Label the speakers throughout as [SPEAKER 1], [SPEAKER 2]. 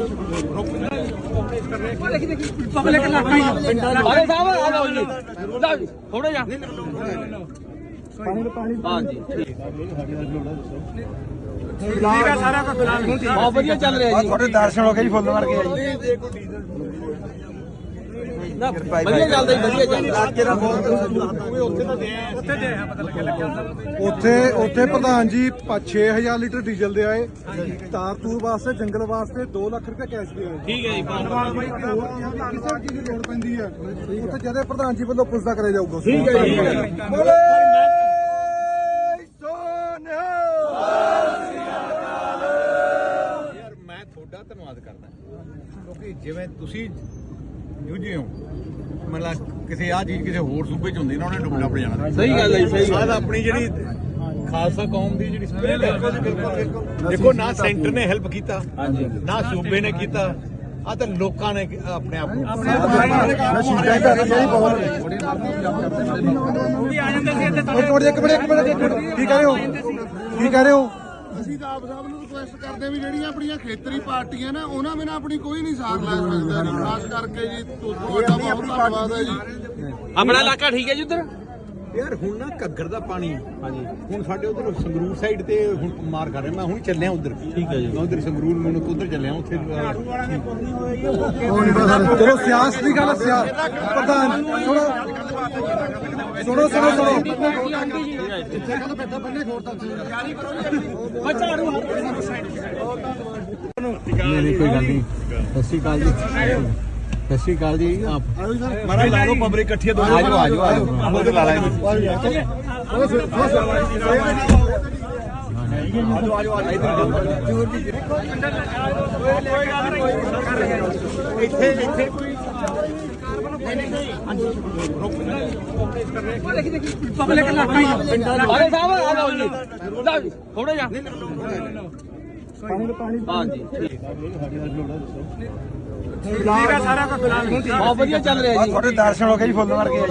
[SPEAKER 1] Public इलाका ही अरे साहब आ जाओ जी थोड़ा जा हाँ जी ठीक है सारा का फिलहाल बहुत बढ़िया चल रहा है जी थोड़े दर्शन हो गए जी फुੱਲ मार के ना बढ़िया ਚੱਲਦਾ ਜੀ ਵਧੀਆ ਚੱਲਦਾ ਅੱਜ ਦਾ ਬਹੁਤ ਉੱਥੇ ਤਾਂ ਦੇ ਉੱਥੇ ਦੇ ਪਤਾ ਲੱਗਿਆ
[SPEAKER 2] ਉੱਥੇ ਪ੍ਰਧਾਨ ਜੀ 6000 ਲੀਟਰ ਡੀਜ਼ਲ ਦੇ ਆਏ ਤਾਰ ਤੂਰ ਵਾਸਤੇ ਜੰਗਲ ਵਾਸਤੇ 2 ਲੱਖ ਰੁਪਏ ਕੈਸ਼ ਦੇ ਆਏ
[SPEAKER 1] ਠੀਕ ਹੈ ਜੀ
[SPEAKER 2] ਕਿਸੇ ਚੀਜ਼ ਦੀ ਲੋੜ ਪੈਂਦੀ ਹੈ ਉੱਥੇ ਜਦੇ ਪ੍ਰਧਾਨ ਜੀ ਵੱਲੋਂ ਪੁੱਛਦਾ ਕਰਿਆ ਜਾਊਗਾ
[SPEAKER 1] ਠੀਕ ਹੈ ਜੀ
[SPEAKER 3] ਯਾਰ ਮੈਂ ਤੁਹਾਡਾ ਧੰਨਵਾਦ ਕਰਦਾ ਕਿਉਂਕਿ ਜਿਵੇਂ ਤੁਸੀਂ ਜੂਝੇ ਹੋ ਮਤਲਬ ਕਿਸੇ ਆ ਚੀਜ਼ ਕਿਸੇ ਹੋਰ ਸੂਬੇ ਚ ਹੁੰਦੀ ਨਾ ਉਹਨੇ ਡੁੱਬ ਜਾਣਾ
[SPEAKER 1] ਸਹੀ ਗੱਲ ਹੈ ਸਹੀ
[SPEAKER 3] ਗੱਲ ਆਪਣੀ ਜਿਹੜੀ ਖਾਲਸਾ ਕੌਮ ਦੀ ਜਿਹੜੀ ਸਪਿਰਿਟ ਹੈ ਦੇਖੋ ਨਾ ਸੈਂਟਰ ਨੇ ਹੈਲਪ ਕੀਤਾ ਨਾ ਸੂਬੇ ਨੇ ਕੀਤਾ ਆ ਤਾਂ ਲੋਕਾਂ ਨੇ ਆਪਣੇ ਆਪ ਨੂੰ
[SPEAKER 2] ਕੀ ਕਹਿ ਰਹੇ ਹੋ
[SPEAKER 4] ਅਸੀਂ ਤਾਂ ਆਪ ਸਾਹਿਬ ਨੂੰ ਰਿਕੁਐਸਟ ਕਰਦੇ ਆ ਵੀ ਜਿਹੜੀਆਂ ਆਪਣੀਆਂ ਖੇਤਰੀ ਪਾਰਟੀਆਂ ਨੇ ਉਹਨਾਂ ਬਿਨਾਂ ਆਪਣੀ ਕੋਈ ਨਹੀਂ ਸਾਥ ਲੈ ਸਕਦਾ ਜੀ ਖਾਸ ਕਰਕੇ ਜੀ ਤੁਹਾਡਾ ਬਹੁਤ ਧੰਨਵਾਦ ਹੈ ਜੀ
[SPEAKER 1] ਆਪਣਾ ਇਲਾਕਾ ਠੀਕ ਹੈ ਜੀ ਉਧਰ
[SPEAKER 3] ਯਾਰ ਹੁਣ ਨਾ ਘੱਗਰ ਦਾ ਪਾਣੀ ਹਾਂਜੀ ਹੁਣ ਸਾਡੇ ਉਧਰ ਸੰਗਰੂਰ ਸਾਈਡ ਤੇ ਹੁਣ ਮਾਰ ਕਰ ਰਿਹਾ ਮੈਂ ਹੁਣ ਚੱਲਿਆ ਉਧਰ
[SPEAKER 1] ਠੀਕ ਹੈ ਜੀ
[SPEAKER 3] ਮੈਂ ਉਧਰ ਸੰਗਰੂਰ ਮੈਨੂੰ ਉਧਰ ਚੱਲਿਆ ਉੱਥੇ
[SPEAKER 2] ਚਲੋ ਸਿਆਸਤ ਦੀ ਗੱਲ ਪ੍ਰਧਾਨ ਸੁਣੋ
[SPEAKER 1] ਨਹੀਂ ਕੋਈ ਗੱਲ ਨਹੀਂ ਸਤਿ ਸ਼੍ਰੀ ਅਕਾਲ ਜੀ ਸਤਿ ਸ਼੍ਰੀ ਅਕਾਲ ਜੀ ਆਪ
[SPEAKER 3] ਮਹਾਰਾਜ ਲਾ ਲਓ ਪਬਲਿਕ ਇਕੱਠੀ ਦੋ ਆਜੋ ਉਧਰ ਲਾ ਲਾਂਗੇ ਇੱਥੇ
[SPEAKER 1] पब्लिक इलाका ही अरे साहब आ जाओ जी थोड़ा जा हाँ जी ठीक है सारा का फिलहाल बहुत बढ़िया चल रहा है जी
[SPEAKER 2] ਥੋੜੇ ਦਰਸ਼ਨ ਹੋ ਗਏ ਜੀ ਫੁੱਲ ਮਾਰ ਕੇ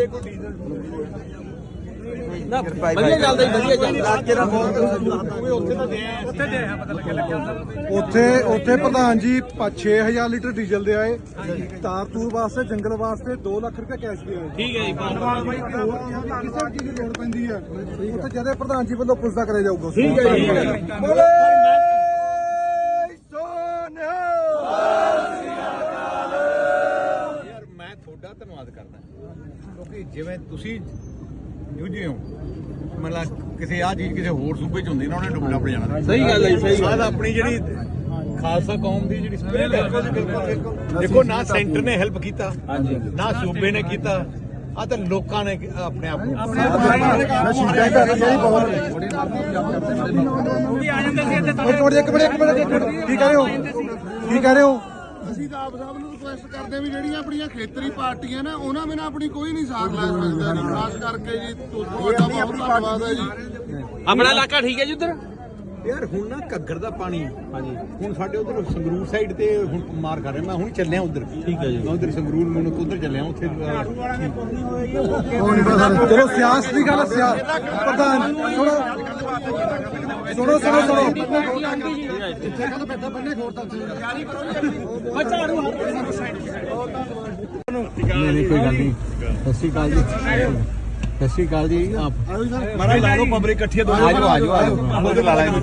[SPEAKER 1] ਨਾ ਵਧੀਆ ਚੱਲਦਾ ਜੀ ਵਧੀਆ ਚੱਲਦਾ ਅੱਜ ਦਾ ਬਹੁਤ
[SPEAKER 3] ਉੱਥੇ ਤਾਂ ਦੇ
[SPEAKER 1] ਉੱਥੇ ਦੇ ਪਤਾ ਲੱਗਿਆ
[SPEAKER 2] ਉੱਥੇ ਪ੍ਰਧਾਨ ਜੀ 6000 ਲੀਟਰ ਡੀਜ਼ਲ ਦੇ ਆਏ ਤਾਰ ਤੂਰ ਵਾਸਤੇ ਜੰਗਲ ਵਾਸਤੇ 2 ਲੱਖ ਰੁਪਏ ਕੈਸ਼ ਦੇ ਆਏ
[SPEAKER 1] ਠੀਕ ਹੈ ਜੀ
[SPEAKER 2] ਕਿਸੇ ਚੀਜ਼ ਦੀ ਲੋੜ ਪੈਂਦੀ ਹੈ ਉੱਥੇ ਜਦੇ ਪ੍ਰਧਾਨ ਜੀ ਵੱਲੋਂ ਪੁੱਛਦਾ ਕਰਿਆ ਜਾਊਗਾ
[SPEAKER 1] ਠੀਕ ਹੈ ਜੀ
[SPEAKER 3] ਯਾਰ ਮੈਂ ਤੁਹਾਡਾ ਧੰਨਵਾਦ ਕਰਦਾ ਕਿਉਂਕਿ ਜਿਵੇਂ ਤੁਸੀਂ ਜੂਝੇ ਹੋ ਮਤਲਬ ਕਿਸੇ ਆ ਚੀਜ਼ ਕਿਸੇ ਹੋਰ ਸੂਬੇ ਚ ਹੁੰਦੀ ਨਾ ਉਹਨੇ ਡੁੱਬ ਜਾਣਾ
[SPEAKER 1] ਸਹੀ ਗੱਲ ਹੈ ਸਹੀ
[SPEAKER 3] ਗੱਲ ਆਪਣੀ ਜਿਹੜੀ ਖਾਲਸਾ ਕੌਮ ਦੀ ਜਿਹੜੀ ਸਪਿਰਿਟ ਹੈ ਦੇਖੋ ਨਾ ਸੈਂਟਰ ਨੇ ਹੈਲਪ ਕੀਤਾ ਨਾ ਸੂਬੇ ਨੇ ਕੀਤਾ ਆ ਤਾਂ ਲੋਕਾਂ ਨੇ ਆਪਣੇ ਆਪ ਨੂੰ
[SPEAKER 2] ਕੀ ਕਹਿ ਰਹੇ ਹੋ
[SPEAKER 4] ਅਸੀਂ ਤਾਂ ਆਪ ਸਾਹਿਬ ਨੂੰ ਰਿਕੁਐਸਟ ਕਰਦੇ ਆ ਵੀ ਜਿਹੜੀਆਂ ਆਪਣੀਆਂ ਖੇਤਰੀ ਪਾਰਟੀਆਂ ਨੇ ਉਹਨਾਂ ਬਿਨਾਂ ਆਪਣੀ ਕੋਈ ਨਹੀਂ ਸਾਥ ਲੈ ਸਕਦਾ ਜੀ ਖਾਸ ਕਰਕੇ ਜੀ ਤੁਹਾਡਾ ਬਹੁਤ ਧੰਨਵਾਦ ਹੈ ਜੀ
[SPEAKER 1] ਆਪਣਾ ਇਲਾਕਾ ਠੀਕ ਹੈ ਜੀ ਉਧਰ
[SPEAKER 3] ਯਾਰ ਹੁਣ ਨਾ ਘੱਗਰ ਦਾ ਪਾਣੀ ਹਾਂਜੀ ਹੁਣ ਸਾਡੇ ਉਧਰ ਸੰਗਰੂਰ ਸਾਈਡ ਤੇ ਹੁਣ ਮਾਰ ਕਰ ਰਿਹਾ ਮੈਂ ਹੁਣ ਚੱਲਿਆ ਉਧਰ
[SPEAKER 1] ਠੀਕ ਹੈ ਜੀ
[SPEAKER 3] ਮੈਂ ਉਧਰ ਸੰਗਰੂਰ ਮੈਨੂੰ ਉਧਰ ਚੱਲਿਆ ਉੱਥੇ
[SPEAKER 2] ਚਲੋ ਸਿਆਸਤ ਦੀ ਗੱਲ ਪ੍ਰਧਾਨ ਸੁਣੋ
[SPEAKER 1] ਨਹੀਂ ਕੋਈ ਗੱਲ ਨਹੀਂ ਸਤਿ ਸ਼੍ਰੀ ਅਕਾਲ ਜੀ ਸਤਿ ਸ਼੍ਰੀ ਅਕਾਲ ਜੀ ਆਪ
[SPEAKER 3] ਮਹਾਰਾਜ ਲਾ ਲਓ ਪਬਲਿਕ ਇਕੱਠੀ ਦੋ ਆਜੋ ਉਧਰ ਲਾ ਲਾਂਗੇ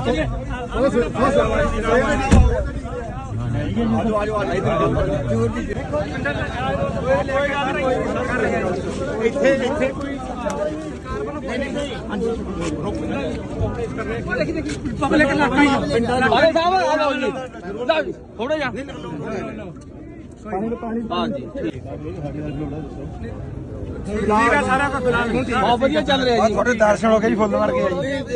[SPEAKER 3] ਇੱਥੇ
[SPEAKER 1] पब्लिक इलाका ही अरे साहब आ जाओ जी थोड़ा जा हाँ जी ठीक है सारा का फिलहाल बहुत बढ़िया चल रहा है जी
[SPEAKER 2] ਥੋੜੇ ਦਰਸ਼ਨ ਹੋ ਗਏ ਜੀ ਫੁੱਲ ਮਾਰ ਕੇ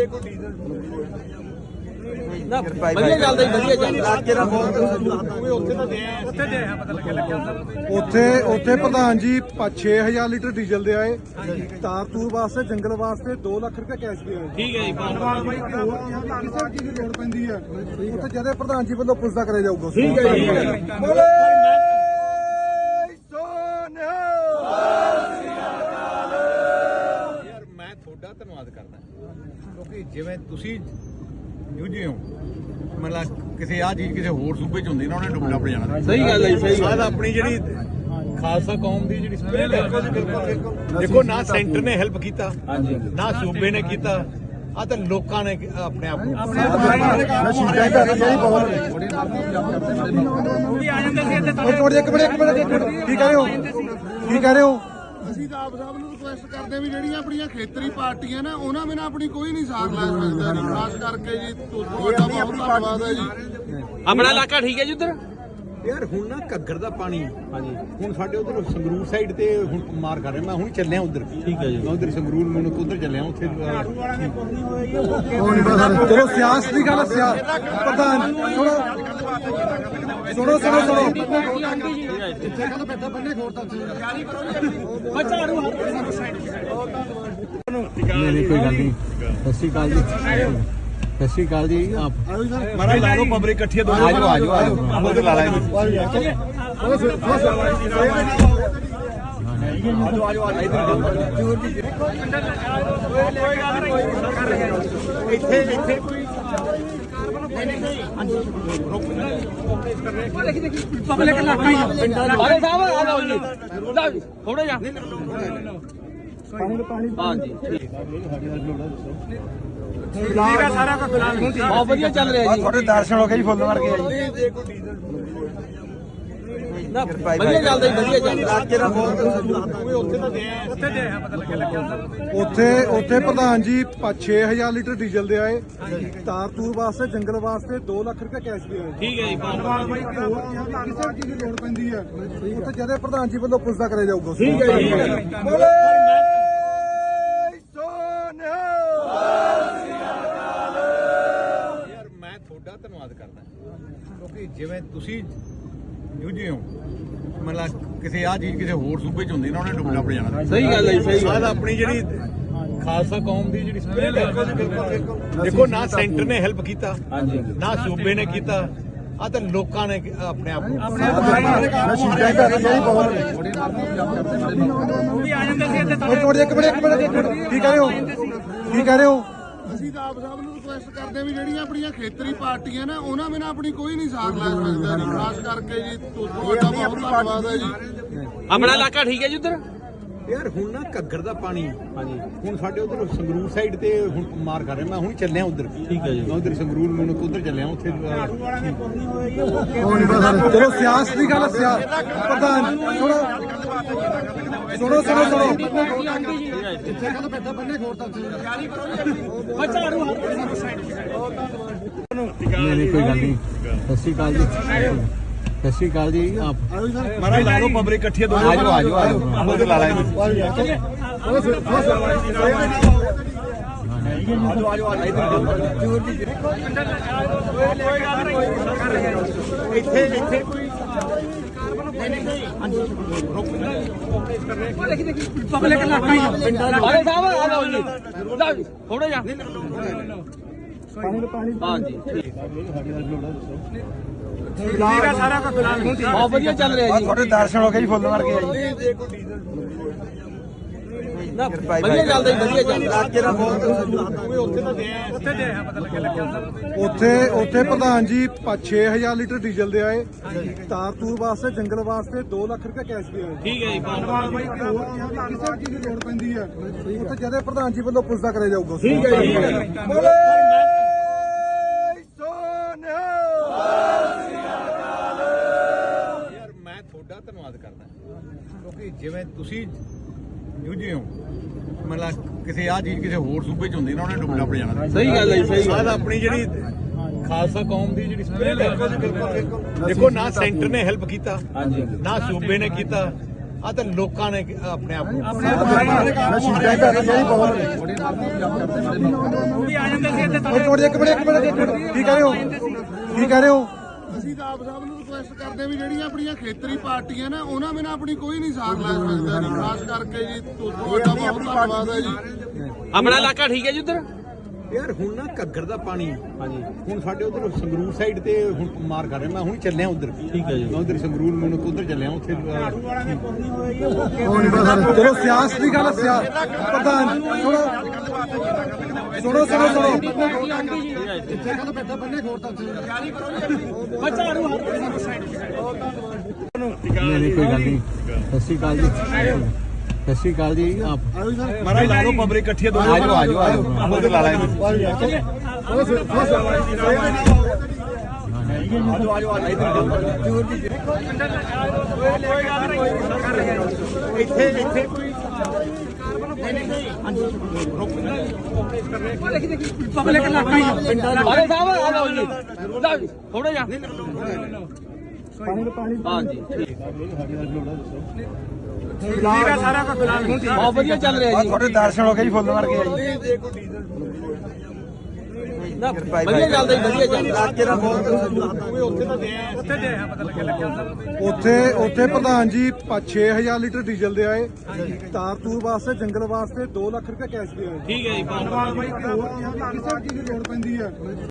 [SPEAKER 1] ਨਾ ਵਧੀਆ ਚੱਲਦਾ ਜੀ ਵਧੀਆ ਚੱਲਦਾ
[SPEAKER 3] ਅੱਜ ਦਾ ਬਹੁਤ ਉੱਥੇ ਤਾਂ ਦੇ
[SPEAKER 1] ਉੱਥੇ ਦੇ ਪਤਾ ਲੱਗਿਆ
[SPEAKER 2] ਉੱਥੇ ਪ੍ਰਧਾਨ ਜੀ 6000 ਲੀਟਰ ਡੀਜ਼ਲ ਦੇ ਆਏ ਤਾਰ ਤੂਰ ਵਾਸਤੇ ਜੰਗਲ ਵਾਸਤੇ 2 ਲੱਖ ਰੁਪਏ ਕੈਸ਼ ਦੇ ਆਏ
[SPEAKER 1] ਠੀਕ ਹੈ ਜੀ
[SPEAKER 2] ਕਿਸੇ ਚੀਜ਼ ਦੀ ਲੋੜ ਪੈਂਦੀ ਹੈ ਉੱਥੇ ਜਦੇ ਪ੍ਰਧਾਨ ਜੀ ਵੱਲੋਂ ਪੁੱਛਦਾ ਕਰਿਆ ਜਾਊਗਾ
[SPEAKER 1] ਠੀਕ ਹੈ ਜੀ
[SPEAKER 3] ਯਾਰ ਮੈਂ ਤੁਹਾਡਾ ਧੰਨਵਾਦ ਕਰਦਾ ਕਿਉਂਕਿ ਜਿਵੇਂ ਤੁਸੀਂ ਜੂਝੇ ਹੋ ਮਤਲਬ ਕਿਸੇ ਆ ਚੀਜ਼ ਕਿਸੇ ਹੋਰ ਸੂਬੇ ਚ ਹੁੰਦੀ ਨਾ ਉਹਨੇ ਡੁੱਬ ਡੱਬ ਜਾਣਾ।
[SPEAKER 1] ਸਹੀ ਗੱਲ ਹੈ ਜੀ, ਸਹੀ ਗੱਲ।
[SPEAKER 3] ਆਪਣੀ ਜਿਹੜੀ ਖਾਲਸਾ ਕੌਮ ਦੀ ਜਿਹੜੀ ਸਪਿਰਿਟ ਹੈ, ਦੇਖੋ ਨਾ ਸੈਂਟਰ ਨੇ ਹੈਲਪ ਕੀਤਾ ਨਾ ਸੂਬੇ ਨੇ ਕੀਤਾ, ਆ ਤਾਂ ਲੋਕਾਂ ਨੇ ਆਪਣੇ ਆਪ ਨੂੰ
[SPEAKER 2] ਕੀ ਕਹਿ ਰਹੇ ਹੋ?
[SPEAKER 4] ਅਸੀਂ ਤਾਂ ਆਪ ਸਭ ਨੂੰ ਰਿਕੁਐਸਟ ਕਰਦੇ ਹਾਂ ਵੀ ਜਿਹੜੀਆਂ ਆਪਣੀਆਂ ਖੇਤਰੀ ਪਾਰਟੀਆਂ ਨੇ ਉਹਨਾਂ ਬਿਨਾਂ ਆਪਣੀ ਕੋਈ ਨਹੀਂ ਸਾਥ ਲੈ ਸਕਦਾ ਜੀ। ਖਾਸ ਕਰਕੇ ਜੀ ਤੁਹਾਡਾ ਬਹੁਤ ਧੰਨਵਾਦ ਹੈ ਜੀ।
[SPEAKER 1] ਆਪਣਾ ਇਲਾਕਾ ਠੀਕ ਹੈ ਜੀ ਉਧਰ?
[SPEAKER 3] ਯਾਰ ਹੁਣ ਨਾ ਘੱਗਰ ਦਾ ਪਾਣੀ ਹੁਣ ਸਾਡੇ ਉਧਰ ਸੰਗਰੂਰ ਸਾਈਡ ਤੇ ਹੁਣ ਮਾਰ ਕਰ ਰਿਹਾ। ਮੈਂ ਹੁਣ ਚੱਲਿਆ ਉਧਰ। ਠੀਕ ਹੈ ਜੀ, ਮੈਂ ਉਧਰ ਸੰਗਰੂਰ ਮੈਨੂੰ ਉਧਰ ਚੱਲਿਆ ਉੱਥੇ।
[SPEAKER 2] ਚਲੋ ਸਿਆਸਤ ਦੀ ਗੱਲ ਪ੍ਰਧਾਨ ਸੁਣੋ
[SPEAKER 3] ਨਹੀਂ ਕੋਈ ਗੱਲ ਨਹੀਂ। ਸਤਿ ਸ਼੍ਰੀ ਅਕਾਲ ਜੀ, ਸਤਿ ਸ਼੍ਰੀ ਅਕਾਲ ਜੀ। ਆਪ ਮਾਰਾ ਲਾ ਲਓ ਪਬਲਿਕ ਇਕੱਠੀ ਦੋ। ਆਜੋ ਆਪਾਂ ਤੇ ਲਾ ਲਾਂਗੇ। ਇੱਥੇ
[SPEAKER 1] ਪਬਲਿਕ ਇਲਾਕਾ ਹੀ ਅਰੇ ਸਾਹਿਬ ਆ ਲਓ ਜੀ, ਥੋੜਾ ਜਿਹਾ ਹਾਂਜੀ ਠੀਕ ਹੈ। ਸਾਰਾ ਕੁਝ ਬਹੁਤ ਵਧੀਆ ਚੱਲ ਰਿਹਾ ਜੀ।
[SPEAKER 2] ਤੁਹਾਡੇ ਦਰਸ਼ਨ ਹੋ ਗਏ ਜੀ, ਫੁੱਲ ਵਰਗੇ ਆ ਜੀ।
[SPEAKER 1] ਨਾ ਵਧੀਆ ਚੱਲਦਾ ਜੀ, ਵਧੀਆ ਚੱਲਦਾ।
[SPEAKER 2] ਉੱਥੇ ਪ੍ਰਧਾਨ ਜੀ 6000 ਲੀਟਰ ਡੀਜ਼ਲ ਦੇ ਆਏ, ਤਾਰ ਤੂਰ ਵਾਸਤੇ, ਜੰਗਲ ਵਾਸਤੇ 2 ਲੱਖ ਰੁਪਏ ਕੈਸ਼ ਦੇ ਆਏ।
[SPEAKER 1] ਠੀਕ ਹੈ ਜੀ।
[SPEAKER 2] ਕਿਸੇ ਚੀਜ਼ ਦੀ ਲੋੜ ਪੈਂਦੀ ਹੈ ਉੱਥੇ ਜਦੇ ਪ੍ਰਧਾਨ ਜੀ ਵੱਲੋਂ ਪੁੱਛਦਾ ਕਰਿਆ ਜਾਊਗਾ।
[SPEAKER 1] ਠੀਕ ਹੈ ਜੀ।
[SPEAKER 3] ਯਾਰ ਮੈਂ ਤੁਹਾਡਾ ਧੰਨਵਾਦ ਕਰਦਾ ਕਿਉਂਕਿ ਜਿਵੇਂ ਤੁਸੀਂ ਜੂਝੇ ਹੋ, ਮਤਲਬ ਕਿਸੇ ਆ ਚੀਜ਼ ਕਿਸੇ ਹੋਰ ਸੂਬੇ ਚ ਹੁੰਦੀ ਨਾ ਉਹਨੇ ਡੁੱਬ ਡੱਬ ਜਾਣਾ।
[SPEAKER 1] ਸਹੀ ਗੱਲ ਹੈ ਜੀ, ਸਹੀ ਗੱਲ।
[SPEAKER 3] ਆਪਣੀ ਜਿਹੜੀ ਖਾਲਸਾ ਕੌਮ ਦੀ ਜਿਹੜੀ ਸਪਿਰਿਟ ਹੈ, ਦੇਖੋ ਨਾ ਸੈਂਟਰ ਨੇ ਹੈਲਪ ਕੀਤਾ ਨਾ ਸੂਬੇ ਨੇ ਕੀਤਾ, ਆ ਤਾਂ ਲੋਕਾਂ ਨੇ ਆਪਣੇ ਆਪ ਨੂੰ
[SPEAKER 2] ਕੀ ਕਹਿ ਰਹੇ ਹੋ?
[SPEAKER 4] ਅਸੀਂ ਤਾਂ ਆਪ ਸਭ ਨੂੰ ਰਿਕੁਐਸਟ ਕਰਦੇ ਹਾਂ ਵੀ ਜਿਹੜੀਆਂ ਆਪਣੀਆਂ ਖੇਤਰੀ ਪਾਰਟੀਆਂ ਨੇ ਉਹਨਾਂ ਬਿਨਾਂ ਆਪਣੀ ਕੋਈ ਨਹੀਂ ਸਾਥ ਲੈ ਸਕਦਾ ਜੀ। ਖਾਸ ਕਰਕੇ ਜੀ ਤੁਹਾਡਾ ਬਹੁਤ ਧੰਨਵਾਦ ਹੈ ਜੀ।
[SPEAKER 1] ਆਪਣਾ ਇਲਾਕਾ ਠੀਕ ਹੈ ਜੀ ਉਧਰ?
[SPEAKER 3] ਯਾਰ ਹੁਣ ਨਾ ਘੱਗਰ ਦਾ ਪਾਣੀ ਹੁਣ ਸਾਡੇ ਉਧਰ ਸੰਗਰੂਰ ਸਾਈਡ ਤੇ ਹੁਣ ਮਾਰ ਕਰ ਰਿਹਾ। ਮੈਂ ਹੁਣ ਚੱਲਿਆ ਉਧਰ। ਠੀਕ ਹੈ ਜੀ, ਮੈਂ ਉਧਰ ਸੰਗਰੂਰ ਮੈਨੂੰ ਉਧਰ ਚੱਲਿਆ ਉੱਥੇ।
[SPEAKER 2] ਚਲੋ ਸਿਆਸਤ ਦੀ ਗੱਲ ਪ੍ਰਧਾਨ ਸੁਣੋ
[SPEAKER 3] ਨਹੀਂ ਕੋਈ ਗੱਲ ਨਹੀਂ। ਸਤਿ ਸ਼੍ਰੀ ਅਕਾਲ ਜੀ, ਸਤਿ ਸ਼੍ਰੀ ਅਕਾਲ ਜੀ। ਆਪ ਮਾਰਾ ਲਾ ਲਓ ਪਬਲਿਕ ਇਕੱਠੀ ਦੋ। ਆਜੋ ਆਪਾਂ ਤੇ ਲਾ ਲਾਂਗੇ। ਇੱਥੇ
[SPEAKER 1] ਪਬਲਿਕ ਇਲਾਕਾ ਹੀ ਅਰੇ ਸਾਹਿਬ ਆ ਲਓ ਜੀ, ਥੋੜਾ ਜਿਹਾ ਹਾਂਜੀ ਠੀਕ ਹੈ। ਸਾਰਾ ਕੁਝ ਬਹੁਤ ਵਧੀਆ ਚੱਲ ਰਿਹਾ ਜੀ।
[SPEAKER 2] ਤੁਹਾਡੇ ਦਰਸ਼ਨ ਹੋ ਗਏ ਜੀ, ਫੁੱਲ ਵਰਗੇ ਆ ਜੀ।
[SPEAKER 1] ਨਾ ਵਧੀਆ ਚੱਲਦਾ ਜੀ, ਵਧੀਆ ਚੱਲਦਾ।
[SPEAKER 2] ਉੱਥੇ ਪ੍ਰਧਾਨ ਜੀ 6000 ਲੀਟਰ ਡੀਜ਼ਲ ਦੇ ਆਏ, ਤਾਰ ਤੂਰ ਵਾਸਤੇ, ਜੰਗਲ ਵਾਸਤੇ 2 ਲੱਖ ਰੁਪਏ ਕੈਸ਼ ਦੇ ਆਏ।
[SPEAKER 1] ਠੀਕ ਹੈ ਜੀ।
[SPEAKER 2] ਕਿਸੇ ਚੀਜ਼ ਦੀ ਲੋੜ ਪੈਂਦੀ ਹੈ ਉੱਥੇ ਜਦੇ ਪ੍ਰਧਾਨ ਜੀ ਵੱਲੋਂ ਪੁੱਛਦਾ ਕਰਿਆ ਜਾਊਗਾ।
[SPEAKER 1] ਠੀਕ ਹੈ ਜੀ।
[SPEAKER 3] ਯਾਰ ਮੈਂ ਤੁਹਾਡਾ ਧੰਨਵਾਦ ਕਰਦਾ ਕਿਉਂਕਿ ਜਿਵੇਂ ਤੁਸੀਂ ਜੂਝੇ ਹੋ, ਮਤਲਬ ਕਿਸੇ ਆ ਚੀਜ਼ ਕਿਸੇ ਹੋਰ ਸੂਬੇ ਚ ਹੁੰਦੀ ਨਾ ਉਹਨੇ ਡੁੱਬ ਡੱਬ ਜਾਣਾ।
[SPEAKER 1] ਸਹੀ ਗੱਲ ਹੈ ਜੀ, ਸਹੀ ਗੱਲ।
[SPEAKER 3] ਆਪਣੀ ਜਿਹੜੀ ਖਾਲਸਾ ਕੌਮ ਦੀ ਜਿਹੜੀ ਸਪਿਰਿਟ ਹੈ, ਦੇਖੋ ਨਾ ਸੈਂਟਰ ਨੇ ਹੈਲਪ ਕੀਤਾ ਨਾ ਸੂਬੇ ਨੇ ਕੀਤਾ, ਆ ਤਾਂ ਲੋਕਾਂ ਨੇ ਆਪਣੇ ਆਪ ਨੂੰ
[SPEAKER 2] ਕੀ ਕਹਿ ਰਹੇ ਹੋ?
[SPEAKER 4] ਅਸੀਂ ਤਾਂ ਆਪ ਸਭ ਨੂੰ ਰਿਕੁਐਸਟ ਕਰਦੇ ਹਾਂ ਵੀ ਜਿਹੜੀਆਂ ਆਪਣੀਆਂ ਖੇਤਰੀ ਪਾਰਟੀਆਂ ਨੇ ਉਹਨਾਂ ਬਿਨਾਂ ਆਪਣੀ ਕੋਈ ਨਹੀਂ ਸਾਥ ਲੈ ਸਕਦਾ ਜੀ। ਖਾਸ ਕਰਕੇ ਜੀ ਤੁਹਾਡਾ ਬਹੁਤ ਧੰਨਵਾਦ ਹੈ ਜੀ।
[SPEAKER 1] ਆਪਣਾ ਇਲਾਕਾ ਠੀਕ ਹੈ ਜੀ ਉਧਰ?
[SPEAKER 3] ਯਾਰ ਹੁਣ ਨਾ ਘੱਗਰ ਦਾ ਪਾਣੀ ਹਾਂਜੀ ਹੁਣ ਸਾਡੇ ਉਧਰ ਸੰਗਰੂਰ ਸਾਈਡ ਤੇ ਹੁਣ ਮਾਰ ਕਰ ਰਿਹਾ। ਮੈਂ ਹੁਣ ਚੱਲਿਆ ਉਧਰ। ਠੀਕ ਹੈ ਜੀ। ਮੈਂ ਉਧਰ ਸੰਗਰੂਰ ਮੈਨੂੰ ਉਧਰ ਚੱਲਿਆ ਉੱਥੇ
[SPEAKER 2] ਚਲੋ ਸਿਆਸਤ ਦੀ ਗੱਲ ਪ੍ਰਧਾਨ ਸੁਣੋ
[SPEAKER 3] ਨਹੀਂ ਕੋਈ ਗੱਲ ਨਹੀਂ। ਸਤਿ ਸ਼੍ਰੀ ਅਕਾਲ ਜੀ। ਸਤਿ ਸ਼੍ਰੀ ਅਕਾਲ ਜੀ।
[SPEAKER 1] ਮਾਰਾ ਲਾ ਲਓ ਪਬਲਿਕ ਇਕੱਠੀ ਦੋ
[SPEAKER 3] ਆਜੋ ਉਧਰ ਲਾ ਲਾ ਇੱਥੇ
[SPEAKER 1] ਪਬਲਿਕ ਇਲਾਕਾ ਹੀ ਅਰੇ ਸਾਹਿਬ ਆ ਲਓ ਜੀ ਥੋੜਾ ਜਿਹਾ ਹਾਂਜੀ ਠੀਕ ਹੈ ਸਾਰਾ ਕੁਝ ਫਿਲਹਾਲ ਬਹੁਤ ਵਧੀਆ ਚੱਲ ਰਿਹਾ ਜੀ।
[SPEAKER 2] ਤੁਹਾਡੇ ਦਰਸ਼ਨ ਹੋ ਗਏ ਜੀ ਫੁੱਲ ਮਾਰ ਕੇ ਜੀ।
[SPEAKER 1] ਵਧੀਆ ਚੱਲਦਾ ਜੀ ਵਧੀਆ ਚੱਲਦਾ।
[SPEAKER 2] ਉੱਥੇ ਪ੍ਰਧਾਨ ਜੀ 6000 ਲੀਟਰ ਡੀਜ਼ਲ ਦੇ ਆਏ, ਤਾਰ ਤੂਰ ਵਾਸਤੇ ਜੰਗਲ ਵਾਸਤੇ 2 ਲੱਖ ਰੁਪਏ ਕੈਸ਼ ਦੇ ਆਏ।
[SPEAKER 1] ਠੀਕ ਹੈ ਜੀ
[SPEAKER 2] ਕਿਸੇ ਚੀਜ਼ ਦੀ ਲੋੜ ਪੈਂਦੀ ਹੈ